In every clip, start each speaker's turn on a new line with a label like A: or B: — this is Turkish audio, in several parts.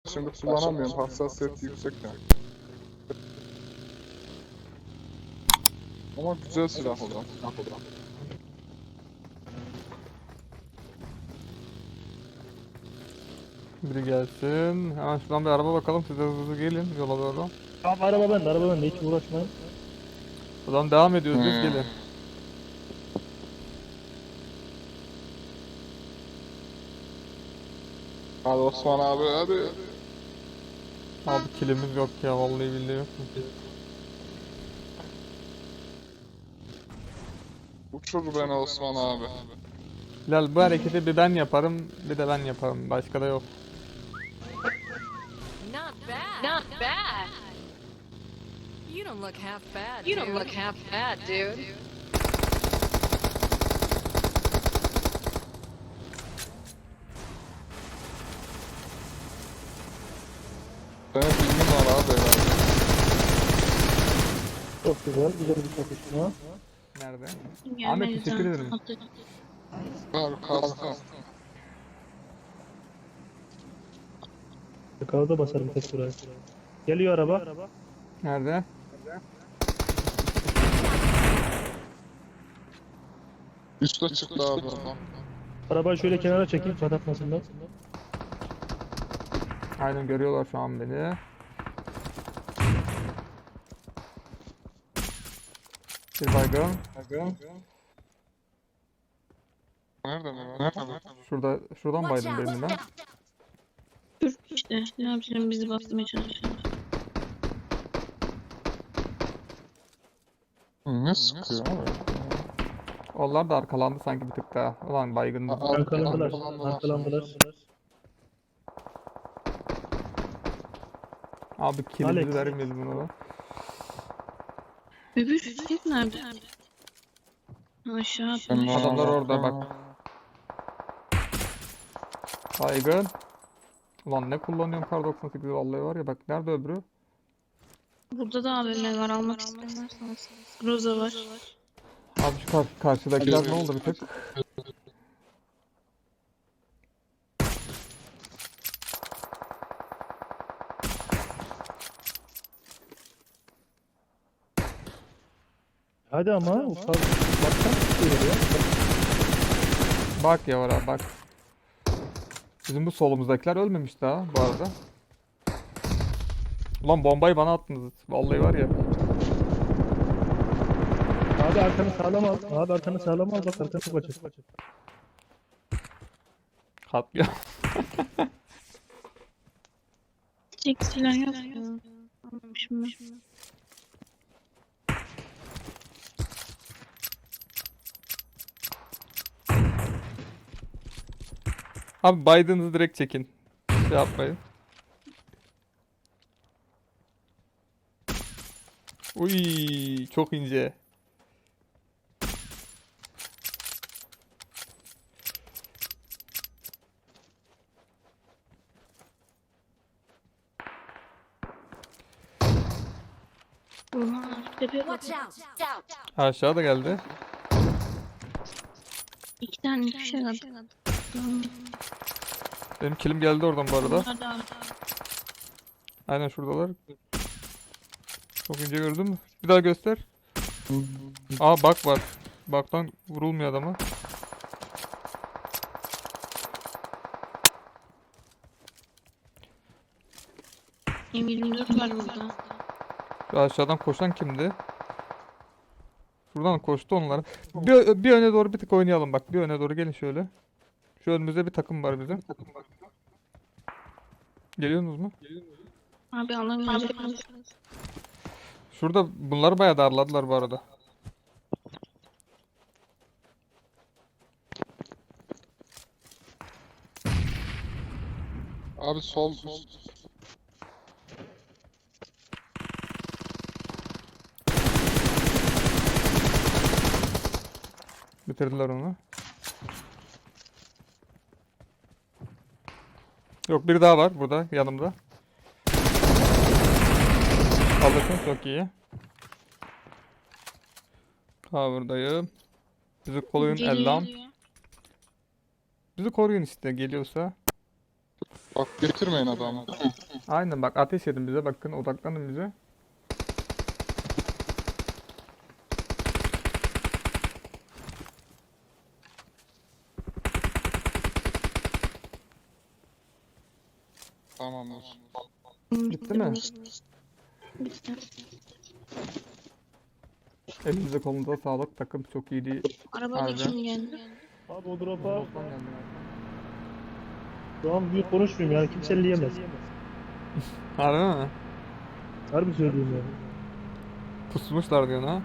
A: şimdi kullanamıyorum. Hassasiyeti yüksek yani. Ama güzel silah o zaman.
B: Biri gelsin. Hemen şuradan bir araba bakalım. Siz de hızlı gelin yola doğru.
C: Tamam araba bende hiç uğraşmayın.
B: Buradan devam ediyoruz biz, gelin.
A: Hadi Osman abi hadi.
B: Abi kilimiz yok ya, vallahi billahi yok.
A: Uçur beni Osman abi.
B: Bilal, bu hareketi bir ben yaparım, bir de ben yaparım. Başka da yok.
D: Not bad. Not bad. You don't look half bad. You don't look half bad, dude.
A: Senin filmin var abi herhalde.
C: Çok güzel bir çatışma.
B: Nerede?
E: Gelmedi
B: Ahmet, teşekkür
E: zaten.
B: ederim.
A: Var kalsın.
C: Yukarıda basarım tek buraya. Geliyor araba.
B: Nerede?
A: Üste çıktı abi oradan.
C: Arabayı şöyle kenara çekeyim patlatmasınlar.
B: Aynen, görüyorlar şu an beni. Bir baygın.
A: Nerede mi? Nerede?
B: Şuradan baydım birini ben.
E: Dur işte ne yapacağım, bizi basmaya çalışıyor.
A: Ne sıkıyor abi?
B: Onlar da arkalandı sanki bir tık daha. Ulan baygındı.
C: Arkalandılar.
B: Abi kilimizi
C: Alex.
B: vermeyelim buna da.
E: Öbür çocuk nerede? Aşağı atmış.
B: Adamlar orada bak. Baygın. Ulan ne kullanıyorum kar 98 vallahi var ya, bak nerede öbürü?
E: Burada da AVM var, almak isterseniz. Roza var.
B: Abi şu karşıdakiler ne oldu bir tık?
C: Hadi ama ufak baksan tutuyor ya.
B: Bak ya var abi, bak. Bizim bu solumuzdakiler ölmemiş daha bu arada. Ulan bombayı bana attınız. Vallahi var ya.
C: Abi arkanı sağlam al. Abi arkanı sağlam al bak arkanı çok açık.
B: Katliam.
E: Çek silah yok ya. Almamışım ben.
B: Abi Biden'ı direkt çekin. Şey yapmayın. Uy, çok ince.
E: Oha, tepeye bak.
D: Watch out.
B: Aşağıda geldi.
E: İki tane fişek attı.
B: Benim kilim geldi oradan bu arada.
E: Hadi abi.
B: Aynen şuradalar. Çok ince gördün mü? Bir daha göster. Aa bak var. Baktan vurulmuyor adama.
E: M24 var burada.
B: Şu aşağıdan koşan kimdi? Şuradan koştu onlar. Bir öne doğru bir tık oynayalım bak. Bir öne doğru gelin şöyle. Şu önümüzde bir takım var bizim. Geliyorsunuz mu?
E: Abi alamayacak.
B: Şurada bunlar bayağı darladılar bu arada.
A: Abi sol.
B: Bitirdiler onu. Yok, bir daha var burada yanımda. Alırsın, çok iyi. Cover'dayım. Bizi koruyun Ellam. Bizi koruyun işte geliyorsa.
A: Bak getirmeyin adamı.
B: Aynen bak ateş edin bize bakın odaklanın bize.
A: Tamamdır.
B: Bitti mi?
E: Bitti.
B: Elinize kolunuza sağlık takım çok iyiydi.
E: Arabayla
B: Harbiden.
E: kim geldi?
C: Abi o drop'a
B: Osman geldi galiba.
C: şu an büyük konuşmayayım yani kimse elleyemez.
B: Harbi mi?
C: Harbi söylüyorum yani.
B: Pusmuşlar diyorsun ha.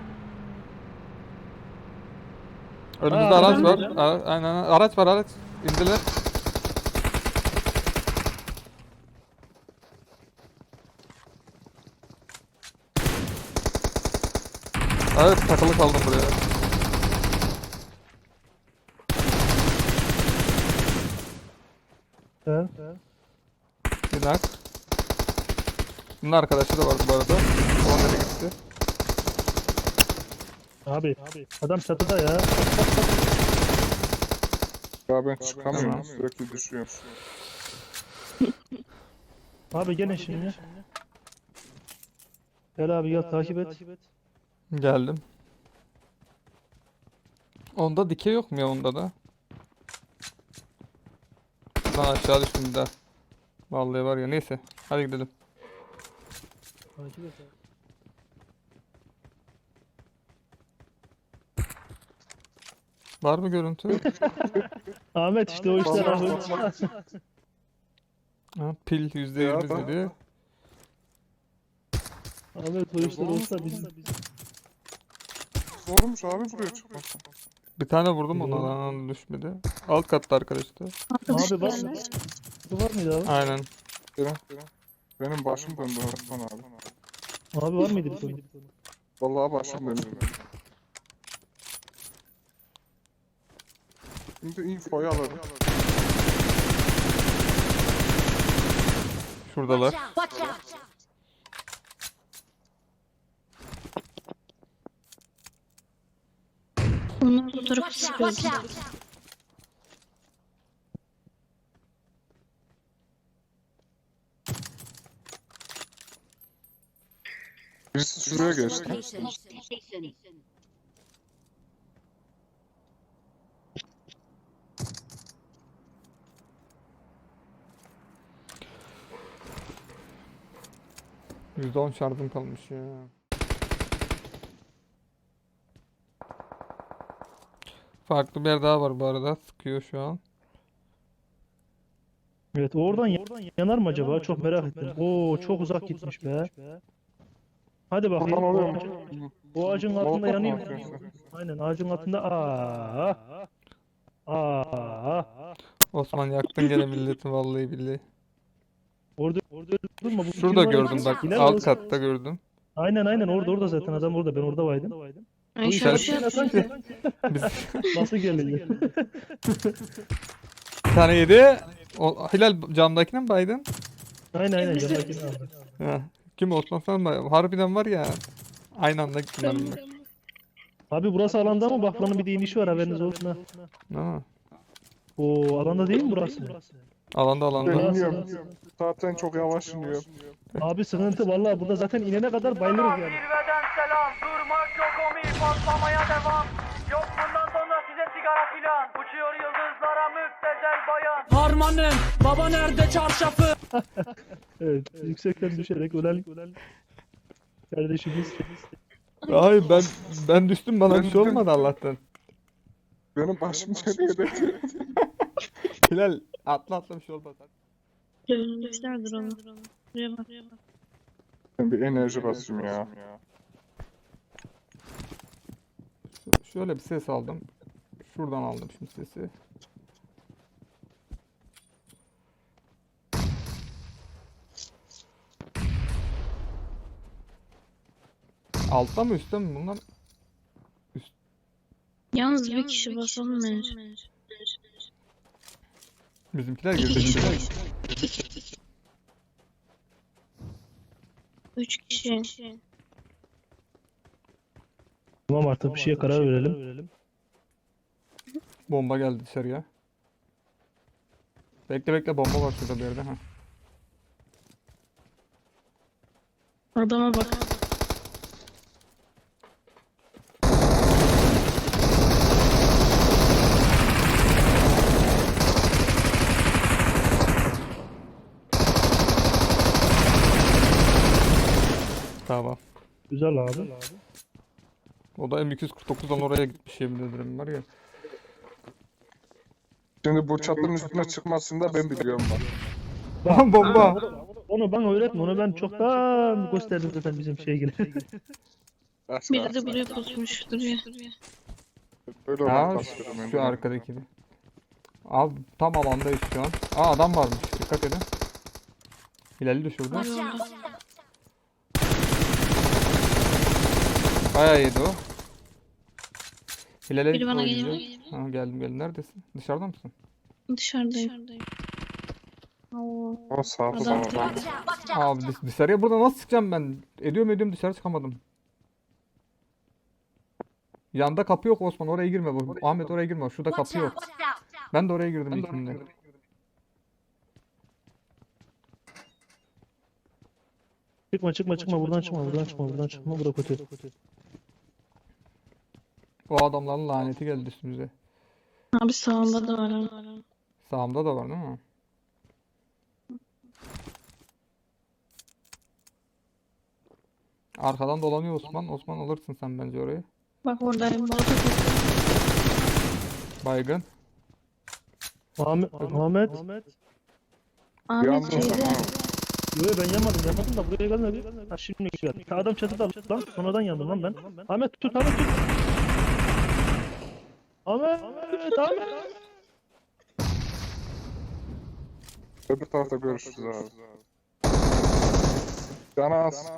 B: Önümüzde
C: Aa,
B: araç
C: adam
B: var.
C: geldi.
B: Aynen araç var araç. İndiler. Evet takılı kaldım buraya.
C: He?
B: Bir nak. Bunun arkadaşı da vardı bu arada. O nereye gitti?
C: Abi adam çatıda ya.
A: Ya ben çıkamıyorum.
B: Tamam.
A: Sürekli düşüyorum.
C: Abi gelin şimdi. Gel abi gel takip et.
B: Geldim. Onda dikey yok mu ya onda da? Lan aşağı düştüm bir daha. Vallahi var ya neyse. Hadi gidelim.
C: Takip et abi.
B: Var mı görüntü?
C: Ahmet işte o işler abi.
B: Ha, pil %100
A: Ya,
B: dedi.
C: Ahmet o işler olsa biz.
A: Zormuş abi buraya çıkmak.
B: Bir tane vurdum ona lan düşmedi. Alt katta arkadaşlar.
C: Abi bak. Bu var mıydı abi?
B: Aynen.
A: Benim başım döndü Osman abi.
C: Abi var mıydı bir konu?
A: Vallahi başım döndü. Şimdi infoyu alalım.
B: Şuradalar.
D: Watch out!
E: Onlar bu tarafa
D: Watch
E: sıkıyor.
D: out!
A: Birisi şuraya geçti.
D: Location.
B: %10 şarjım kalmış ya. Farklı bir yer daha var bu arada. Sıkıyor şu an.
C: Evet oradan yanar mı acaba? Çok merak ettim. Oo çok uzak gitmiş be. Hadi bakayım.
A: Buradan oluyor
C: O ağacın altında
A: Molotof mu
C: yanıyor.
A: atıyorsun?
C: Aynen ağacın altında. Aa.
B: Osman yaktın gene milleti vallahi billahi.
C: Orada durma. Bu
B: Şurada
C: kim var ya?
B: gördüm bak.
C: Hilal
B: Alt
C: olsa-
B: katta gördüm.
C: Aynen orada zaten adam orada. Ben orada vaydım.
E: Ay
C: Bu
E: şöyle
C: işaret
E: şey yapıyor.
B: Biz
C: Nasıl geliyor?
B: bir tane yedi. O, Hilal camdakine mi baydın?
C: Aynen yanındakini aldı.
B: Ha. Kim Osman sen mi? Harbiden var ya. Aynı anda gittiler bunlar.
C: Abi burası alanda mı? Bak buranın bir de inişi var haberiniz olsun ha.
B: Ha.
C: Oo alanda değil mi burası?
B: Alanda alanda.
A: Bilmiyorum. Zaten çok yavaş iniyor.
C: Abi sıkıntı vallahi burada zaten inene kadar bayılırız yani.
F: Zirveden selam, durmak yok omi, patlamaya devam. Yok bundan sonra size sigara filan. Uçuyor yıldızlara müptezel bayan. Harmanım, baba nerede çarşafı?
C: Evet yüksekten düşerek ölen kardeşimiz.
B: Hayır ben düştüm bana bir şey olmadı Allah'tan.
A: Benim başım nereye
B: Hilal atla bir şey olmadı.
E: Dönmüşlerdir onu. Buraya bak.
A: Ben bir enerji basayım ya.
B: Şöyle bir ses aldım. Şuradan aldım şimdi sesi. Altta mı üstte mi bunlar?
E: Yalnız bir kişi basalım bence.
B: Bizimkiler
E: İki
B: girdi.
E: kişi.
B: Bizimkiler.
E: 3 kişi.
C: Tamam artık bir şeye karar verelim.
B: Bomba geldi dışarıya. Bekle bekle, bomba var şurada bir yerde. Ha.
E: Adama bak.
B: Tamam.
C: Güzel abi.
B: O da M249'dan oraya gitmiş, yemin ederim var ya.
A: Şimdi bu çatının üstüne çıkmasını da ben biliyorum bak.
B: Bomba.
C: Onu bana öğretme. Onu ben çoktan gösterdim zaten bizim gibi.
A: Başka.
E: Biri de buraya pusmuş duruyor.
A: Böyle
B: Ha,
A: olan basıyorum ben.
B: şu arkadakini. Abi tam alandayız şu an. Aa, adam varmış, dikkat edin. Hilal'i de şurada. Bayağı yedi o. Hilal'e
E: Biri bana
B: oynayacağım.
E: geliyor.
B: Ha, geldim. Neredesin? Dışarıda mısın?
E: Dışarıdayım. Oo.
A: O sağda
E: Adam
A: da var.
B: Abi dışarıya burada nasıl çıkacağım ben? Ediyorum dışarı çıkamadım. Yanda kapı yok Osman, oraya girme. Ahmet oraya girme. Şurada kapı yok. Ben de oraya girdim ilkinde.
C: Çıkma buradan çıkma bura kötü.
B: O adamların laneti geldi üstümüze.
E: Abi sağında da var. Ha.
B: Sağımda da var değil mi? Arkadan dolanıyor Osman. Osman alırsın sen bence orayı.
E: Bak oradayım. Molotof
B: Baygın.
C: Ahmet.
A: Yalnız
E: Ahmet şeyde.
A: ama
C: Yo ben yanmadım da buraya gelmedi. Ha şimdi geldi. Adam çatıda lan. Sonradan yandım lan ben. Ahmet tut. Ahmet.
A: öbür tarafta görüşürüz abi. Canas.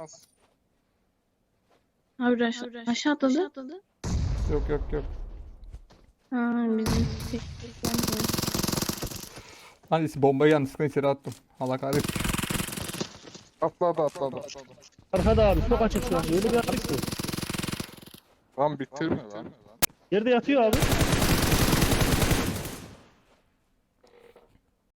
E: Abi aşağı atladı.
B: Yok.
E: Ha bizim
B: Hani bombayı yanlışlıkla içeri attım. Allah kahretsin.
A: Atladı.
C: Arkada abi çok açık şu an. Öyle bir açık ki.
A: Lan bitirme lan.
C: Yerde yatıyor abi.